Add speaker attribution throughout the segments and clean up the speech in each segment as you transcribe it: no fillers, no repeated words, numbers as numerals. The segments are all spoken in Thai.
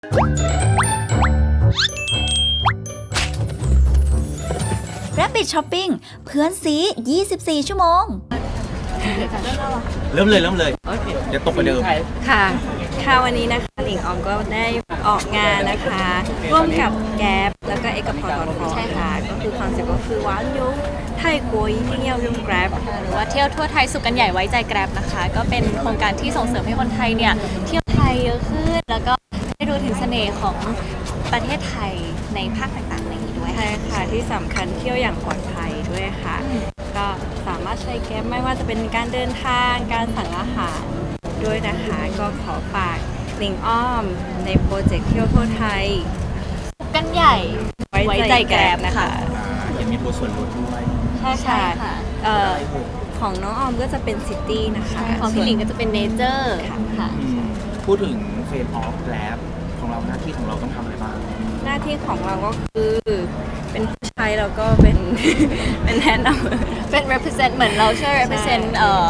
Speaker 1: Rabbit Shopping เพื่อนซี24 ชั่วโมง
Speaker 2: เริ่มเลยเดี๋ยวตกไปเดิม
Speaker 3: ค่ะวันนี้นะคะหลิงออมก็ได้ออกงานนะคะร่วมกับแก๊ปแล้วก็เอกพทใช่ค่ะก็คือคอนเซ็ปต์ก็คือว้านยุไทยกัวยิ่งเที่ยวยุ่งแกร็บ
Speaker 4: หรือว่าเที่ยวทั่วไทยสุขกันใหญ่ไว้ใจแกร็บนะคะก็เป็นโครงการที่ส่งเสริมให้คนไทยเนี่ยเที่ยวไทยเยอะขึ้นแล้วก็ได้ดูถึงเสน่ห์ของประเทศไทยในภาคต่างๆในนี้ด้วย
Speaker 3: ใช่ค่ะที่สำคัญเที่ยวอย่างปลอดภัยด้วยค่ะก็สามารถใช้แก๊ปไม่ว่าจะเป็นการเดินทางการสั่งอาหารด้วยนะคะก็ขอฝากหลิงอ้อมในโปรเจกต์เที่ยวทั่วไทย
Speaker 4: สุขกันใหญ่ไว้ใจแกร็บนะคะ
Speaker 2: ยังมีตัวส่วนลดด้วย
Speaker 3: ใช่ค่ะของน้องออมก็จะเป็นซิตี้นะคะ
Speaker 4: ของพี่หลิงก็จะเป็นเนเจอร์ค่ะ
Speaker 2: พูดถึงเฟรมออฟแลบของเราหน้าที่ของเราต้องทำอะไรบ้าง
Speaker 3: หน้าที่ของเราก็คือเป็นผู้ใช้แล้วก็เป็น เป็นแทนนำ
Speaker 4: เป็น represent เหมือนเราช่วย represent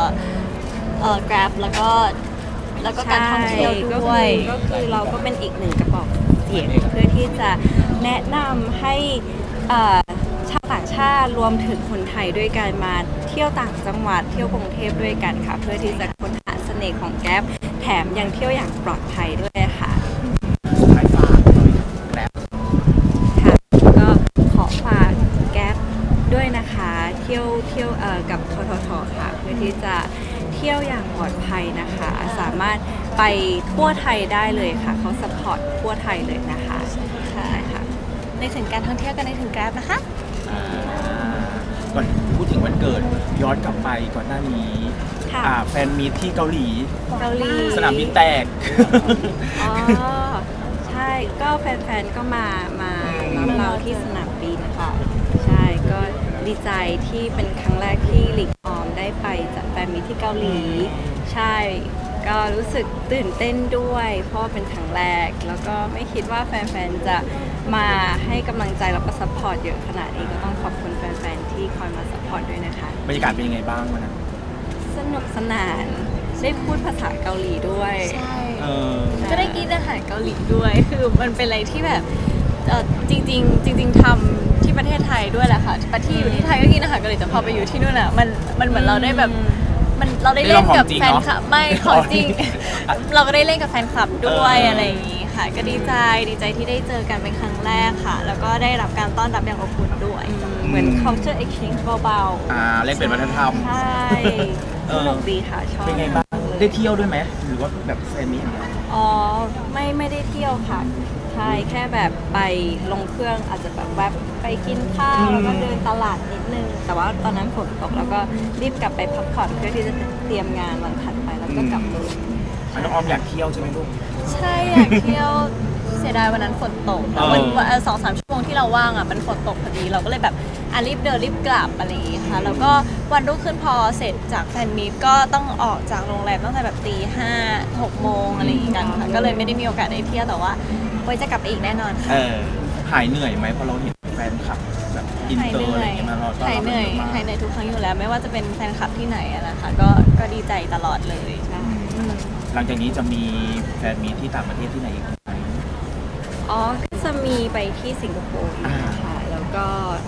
Speaker 4: Grab แล้วก็การท่องเที่ยวด้วย
Speaker 3: ก็คือเราก็เป็นอีกหนึ่งกระบอกเสียงเพื่อที่จะแนะนำให้ชาวต่างชาติรวมถึงคนไทยด้วยกันมาเที่ยวต่างจังหวัดเที่ยวกรุงเทพด้วยกันค่ะเพื่อที่จะค้นหาเสน่ห์ของแก๊ปแถมยังเที่ยวอย่างปลอดภัยด้วยค่ะ
Speaker 2: สุดท้ายฝากหน่อยแลบ
Speaker 3: ค่ะก็ขอฝากแก๊ปด้วยนะคะเที่ยวกับทททค่ะเพื่อที่จะเที่ยวอย่างปลอดภัยนะคะสามารถไปทั่วไทยได้เลยค่ะเขาซัพพอร์ตทั่วไทยเลยนะคะใช่ค่ะ
Speaker 4: ในถึงการท่องเที่ยวกันในถึง Grab นะคะ
Speaker 2: ก่อนพูดถึงวันเกิดย้อนกลับไปก่อนหน้านี้
Speaker 3: ค่ะ
Speaker 2: แฟนมีตที่เกาหลี
Speaker 3: เกาหลี
Speaker 2: สนามบินแตก
Speaker 3: อ๋อใช่ก็แฟนๆก็มารับเราที่สนามบินค่ะใช่ก็ดีใจที่เป็นครั้งแรกที่หลิงออมได้ไปจัดแฟนมีตที่เกาหลี ใช่ก็รู้สึกตื่นเต้นด้วยเพราะว่าเป็นครั้งแรกแล้วก็ไม่คิดว่าแฟนๆจะมาให้กำลังใจแล้วก็ซัพพอร์ตเยอะขนาดนี้ก็ต้องขอบคุณแฟนๆที่คอยมาซัพพอร์ตด้วยนะคะ
Speaker 2: บรรยากาศเป็นยังไงบ้างวันนั้น
Speaker 3: สนุกสนานได้พูดภาษาเกาหลีด้วย
Speaker 4: ใช่
Speaker 3: ใช่
Speaker 4: ก็ได้กินอาหารเกาหลีด้วย คือมันเป็นอะไรที่แบบจริงทำที่ประเทศไทยด้วยแหละค่ะปที่อยู่ที่ไทยก็กินอาหารเกาหลีแต่พอไปอยู่ที่นู่นอ่ะมันเหมือนเราได้แบบเราได้เล่นกับแฟนคลับไม่ของจริง เราก็ได้เล่นกับแฟนคลับด้วยอะไรอย่างงี้ค่ะ ก็ดีใจที่ได้เจอกันเป็นครั้งแรกค่ะ แล้วก็ได้รับการต้อนรับอย่างอบอุ่นด้วย
Speaker 3: เหมือน culture exchange เบาๆ
Speaker 2: เล่นเป็นวัฒนธรรม
Speaker 3: ใช่สนุกดีค่ะชอบ
Speaker 2: เป็นไงบ้างได้เที่ยวด้วยไหมหรือว่าแบบแฟนมีตอย่างเดียว
Speaker 3: อ๋อไม่ได้เที่ยวค่ะใช่แค่แบบไปลงเครื่องอาจจะแบบแวบไปกินข้าวแล้วก็เดินตลาดนิดนึงแต่ว่าตอนนั้นฝนตกแล้วก็รีบกลับไปพักผ่อนเพื่อที่จะเตรียมงานวันถัดไปแล้วก็กลับเลย
Speaker 2: น้องออมอยากเที่ยวใช่ไหมลูก
Speaker 4: ใช่อยากเที่ยวเสียดายวันนั้นฝนตกวัน2-3 ชั่วโมงที่เราว่างอ่ะมันฝนตกพอดีเราก็เลยแบบรีบเดินรีบกลับอะไรอย่างงี้ค่ะแล้วก็วันรุ่งขึ้นพอเสร็จจากแฟนมีตก็ต้องออกจากโรงแรมตั้งแต่แบบ5-6 โมงอะไรอย่างงี้กันค่ะก็เลยไม่ได้มีโอกาสได้เที่ยวแต่ว่าไว้จะกลับไปอีกแน่นอนค่ะ
Speaker 2: หายเหนื่อยไหมพอเราเห็นแฟนคลับแบบอิน
Speaker 4: หาย
Speaker 2: เตอ
Speaker 4: เห
Speaker 2: ร์อะไร
Speaker 4: นื่
Speaker 2: อ
Speaker 4: อย
Speaker 2: ย่างเงี้ยมาเราต้อน
Speaker 4: หาย
Speaker 2: รับ
Speaker 4: เหนื่อย
Speaker 2: เยอะมาก
Speaker 4: หายเหนื่อยทุกครั้งอยู่แล้วไม่ว่าจะเป็นแฟนคลับที่ไหนอะนะคะก็ดีใจตลอดเลยใช่
Speaker 2: หลังจากนี้จะมีแฟนมีตที่ต่างประเทศที่ไหนอีกไหม
Speaker 3: อ๋อก็จะมีไปที่สิงคโปร์อีกค่ะแล้วก็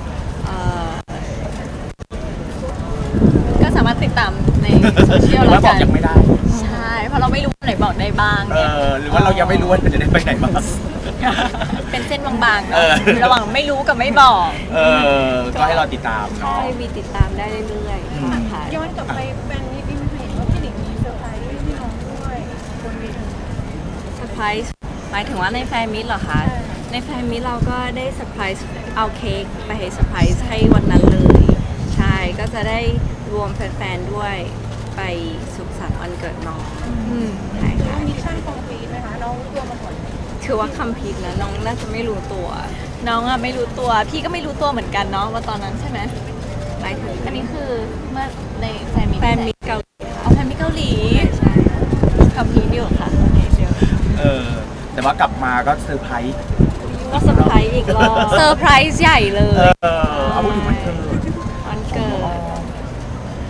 Speaker 4: ก็สามารถติดตามในโซเชียล
Speaker 2: หรือ
Speaker 4: แล้
Speaker 2: ว่าว บ
Speaker 4: กั
Speaker 2: อก
Speaker 4: น
Speaker 2: ยังไม่ได้
Speaker 4: ใช่เพราะเราไม่รู้ไหนบอกได้บ้างเนี่ย
Speaker 2: หรือว่าเรายังไม่รู้ว่าจะได้ไปไหนบ้าง
Speaker 4: เป็นเส้นบางๆ
Speaker 2: เอ
Speaker 4: เนาะ
Speaker 2: อ
Speaker 4: ระหว่างไม่รู้กับไม่บอก
Speaker 2: ก็ให้เราติดตาม
Speaker 3: ใช่
Speaker 2: เนาะ
Speaker 3: มีติดตามได้เรื่อยๆค่ะ
Speaker 5: ย้อนกลับไปแฟนมีตอินเห็นว่าพี่หลิงมีเซอร์ไพรส์ให้พี่น้องด้วยบนเวที
Speaker 3: เซอร์ไพรส์หมายถึงว่าในแฟนมิตรเหรอคะ ในแฟนมิตรเราก็ได้เซอร์ไพรส์เอาเค้กไปให้เซอร์ไพรส์ให้วันนั้นเลย ใช่ก็จะได้รวมแฟนๆด้วยไปสุขสันต์วันเกิดน้องใช่ค่ะ
Speaker 5: มิชชั่นคอมพลีทไหมคะน้องรู้ตัวมาก่อน
Speaker 3: ถือว่าคัมภีร์นะน้องน่าจะไม่รู้ตัว
Speaker 4: น้องอะไม่รู้ตัว พี่ก็ไม่รู้ตัวเหมือนกันเนาะว่าตอนนั้นใช่ไหม
Speaker 3: หมายถึง
Speaker 4: อันนี้คือเมื่อในแฟนมี
Speaker 3: แฟนมิตรเกาหลี
Speaker 4: เอาแฟนมีเกาหลี
Speaker 3: ใช่
Speaker 4: คำพีเดียวค่ะโอเคเดียว
Speaker 2: แต่ว่ากลับมาก็เซอร์ไพรส์
Speaker 3: ก็เซอร์ไพรส์อีกรอบ
Speaker 4: เซอร์ไพรส์ใหญ่เลย
Speaker 2: เอาพูดถึงวันเกิด
Speaker 3: วันเกิด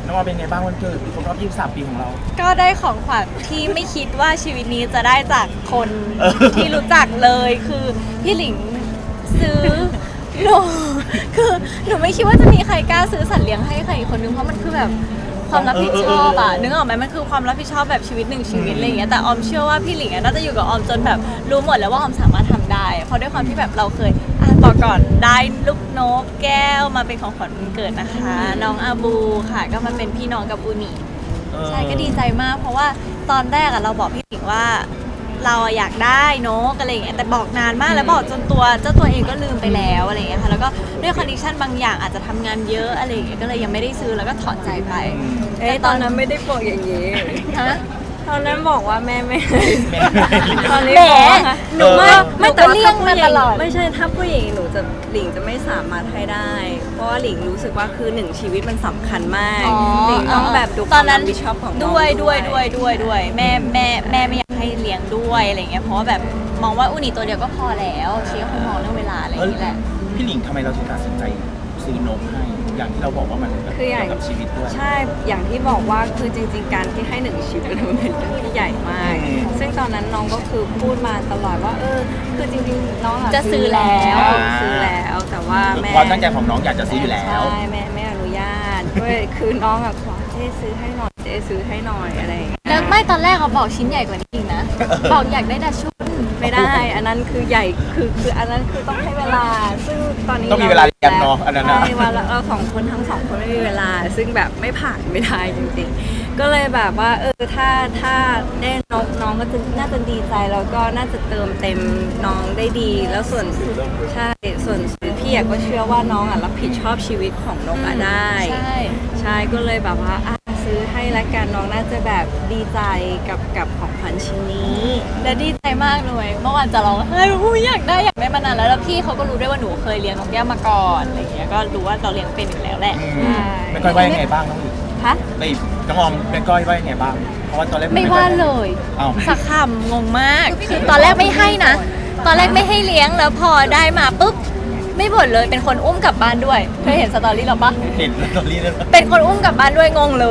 Speaker 2: น้องออมเป็นไงบ้างวันเกิดครบรอบ23 ปีของเรา
Speaker 4: ก็ได้ของขวัญที่ไม่คิดว่าชีวิตนี้จะได้จากคน
Speaker 2: เออ
Speaker 4: ที่รู้จักเลยคือพี่หลิงซื้อหนูคือหนูไม่คิดว่าจะมีใครกล้าซื้อสัตว์เลี้ยงให้ใครอีกคนนึงเพราะมันคือแบบความรับผิดชอบอะนึกออกไหมมันคือความรับผิดชอบแบบชีวิตหนึ่งชีวิตอะไรอย่างเงี้ยแต่ออมเชื่อว่าพี่หลิงอะน่าจะอยู่กับออมจนแบบรู้หมดแล้วว่าออมสามารถทำได้เพราะด้วยความที่แบบเราเคยบอกก่อนได้ลูกนกแก้วมาเป็นของขวัญวันเกิดนะคะ น้องอาบูค่ะก็มาเป็นพี่น้องกับอูนิ ใช่ก็ดีใจมากเพราะว่าตอนแรกอะเราบอกพี่หลิงว่าเราอะอยากได้นกอะไรอย่างเงี้ยแต่บอกนานมากแล้วบอกจนตัวเจ้าตัวเองก็ลืมไปแล้วอะไรอย่างเงี้ยค่ะแล้วก็ด้วยคอนดิชันบางอย่างอาจจะทำงานเยอะอะไรอย่างเงี้ยก็เลยยังไม่ได้ซื้อแล้วก็ถอดใจไป
Speaker 3: ตอนนั้นไม่ได้บอกอย่างนี้
Speaker 4: ฮะ
Speaker 3: ตอนนั้นบอกว่าแม่ไม่
Speaker 2: แม่
Speaker 3: ตอนนี้
Speaker 4: แหม
Speaker 3: บอกว่าหนูไม่
Speaker 4: ไม่
Speaker 3: แต่ว่า
Speaker 4: เลี่ยงมาตลอด
Speaker 3: ไม่ใช่ถ้าผู้หญิงหนูจะหลิงจะไม่สามารถให้ได้ เพราะว่าหลิงรู้สึกว่าคือหนึ่งชีวิตมันสำคัญมากหลิงต้องแบบดูค
Speaker 4: ตอ
Speaker 3: วาน ม
Speaker 4: นั้
Speaker 3: รั
Speaker 4: น
Speaker 3: บผิดชอบของน้อง
Speaker 4: ด้วยแม่ไม่อยากให้เลี้ยงด้วยอะไรเงี้ยเพราะว่าแบบมองว่าอูนิตัวเดียวก็พอแล้วเชียร์คงมองเรื่องเวลาอะไรอย่างเงี้ยแหละ
Speaker 2: พี่หลิงทำไมเราถึงตัดสินใจซื้อนกให้อย่างที่เราบอกว่ามันแบบ
Speaker 3: คือใหญ่
Speaker 2: เกี่ยวกับชีวิตด้วย
Speaker 3: ใช่อย่างที่บอกว่าคือจริง ๆ การที่ให้หนึ่งชีวิตมันเป็นเรื่องที่ใหญ่มาก
Speaker 2: อืม
Speaker 3: ซึ่งตอนนั้นน้องก็คือพูดมาตลอดว่าคือจริงๆน้อง
Speaker 4: จะซื้อแล้ว
Speaker 3: ซื้อแล้วแต่ว่าแม่
Speaker 2: ความตั้งใจของน้องอยากจะซื้ออยู่แล้ว
Speaker 3: ใช่แม่ไม่อนุญาตด้วยคือน้องอะขอเจ๊ซื้อให้หน่อยเจ๊ซื้อให้หน่อยอะไรอย่างเงี้ย
Speaker 4: แล้วไม่ตอนแรกเขาบอกชิ้นใหญ่กว่านี้อีกนะ บอกอยากได้ดัชชุน
Speaker 3: ไม่ได้ อันนั้นคือใหญ่คืออันนั้นคือต้องให้เวลา ซึ่งตอนนี้
Speaker 2: ต้องมีเวลาเรียนเนอะอันนั้นน่ะ
Speaker 3: ใช่ว่าเราสองคนทั้งสองคนไม่มีเวลา ซึ่งแบบไม่ผ่านไม่ได้จริงๆ ก็เลยแบบว่าถ้าได้น้องก็จะน่าจะดีใจแล้วก็น่าจะเติมเต็มน้องได้ดี แล้วส่วนใช่ส่วนพี่อะก็เชื่อว่าน้องอะรับผิดชอบชีวิตของนกอะได้
Speaker 4: ใช่
Speaker 3: ใช่ก็เลยแบบว่าซื้อให้ละกันน้องน่าจะแบบดีใจกับของขวัญชิ้นนี้
Speaker 4: และดีใจมากเลยเมื่อวานจะร้องไห้อุ๊ยอยากได้มานานแล้วพี่เขาก็รู้ด้วยว่าหนูเคยเลี้ยงนกแก้วมาก่อนอะไรเงี้ยก็รู้ว่าเราเลี้ยงเป็นอยู่แล้วแหละ
Speaker 2: อืมแม่ก้อยว่ายังไงบ้างน้องหลิง
Speaker 3: ฮะ
Speaker 2: ไม่น้องออมแม่ก้อยว่ายังไงบ้างเพราะว่าตอนแรก
Speaker 4: ไม่ว่าเลย
Speaker 2: อ้าว
Speaker 4: สักคำงงมากคือตอนแรกไม่ให้นะ ตอนแรกไม่ให้เลี้ยงแล้วพอได้มาปุ๊บไม่บ่นเลยเป็นคนอุ้มกลับบ้านด้วยเคยเห็นสตอรี่เราปะ
Speaker 2: เห็นตอนนี้เลย
Speaker 4: เป็นคนอุ้มกลับบ้านด้วยงงเลย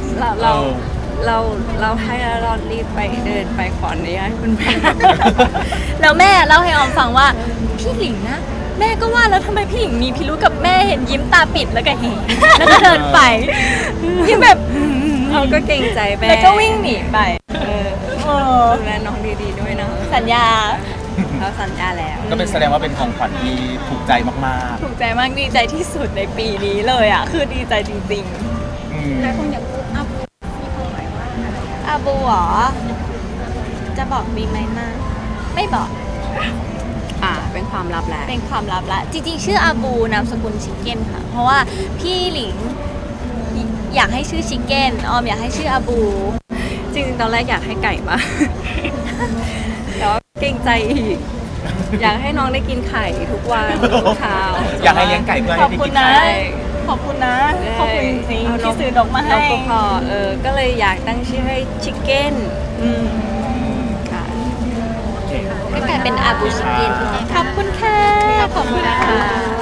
Speaker 3: เราให้แล้วเรารีบไปเดินไปขออนุญาตคุณแม่
Speaker 4: แล้วแม่เล่าให้ออมฟังว่าพี่หลิงนะแม่ก็ว่าแล้วทำไมพี่หลิงมีพิรุธกับแม่เห็นยิ้มตาปิดแล้วก็เฮแล้วก็เดินไปยิ้มแบบ
Speaker 3: เขาก็เกรงใจแม่
Speaker 4: แล้วก็วิ่งหนีไป
Speaker 3: เออดูแลน้องดีๆด้วยนะ
Speaker 4: สัญญา
Speaker 3: เขาสัญญาแล้ว
Speaker 2: ก็เป็นแสดงว่าเป็นของขวัญที่ถูกใจมาก
Speaker 4: ถูกใจมากดีใจที่สุดในปีนี้เลยอ่ะคือดีใจจริง
Speaker 2: ๆอืม
Speaker 5: หลายคนอยากรู้อาบูมีความหมายว่าอะไร
Speaker 4: ๆอาบูเหรอจะบอกดีไหมนะไม่บอก
Speaker 3: เป็นความลับแหละ
Speaker 4: เป็นความลับละจริงๆ ชื่ออาบูนามสกุลชิคเก้นค่ะ เพราะว่าพี่หลิงอยากให้ชื่อชิคเก้นออมอยากให้ชื่ออาบู
Speaker 3: จริงๆตอนแรกอยากให้ไก่มา แต่ว่าเกรงใจอีก อยากให้น้องได้กินไข่ทุกวันทุกเช้า
Speaker 2: อยากให้เลี้ยงไก่เพื่อ
Speaker 4: ข
Speaker 2: ให้
Speaker 4: อบ
Speaker 2: ได้
Speaker 4: คุ
Speaker 2: กิ
Speaker 4: ณ
Speaker 2: น
Speaker 4: นะ
Speaker 2: ไข่
Speaker 4: ขอบคุณนะขอบคุณจริง
Speaker 3: เา
Speaker 4: ๆที่ซื้อนกมาให้
Speaker 3: นกก็พอก็เลยอยากตั้งชื่อให้ชิคเก้นค่ะ
Speaker 2: โอเค
Speaker 4: ก็กลายเป็นอาบูชิคเก้นขอบคุณค่ะขอบคุณค่ะ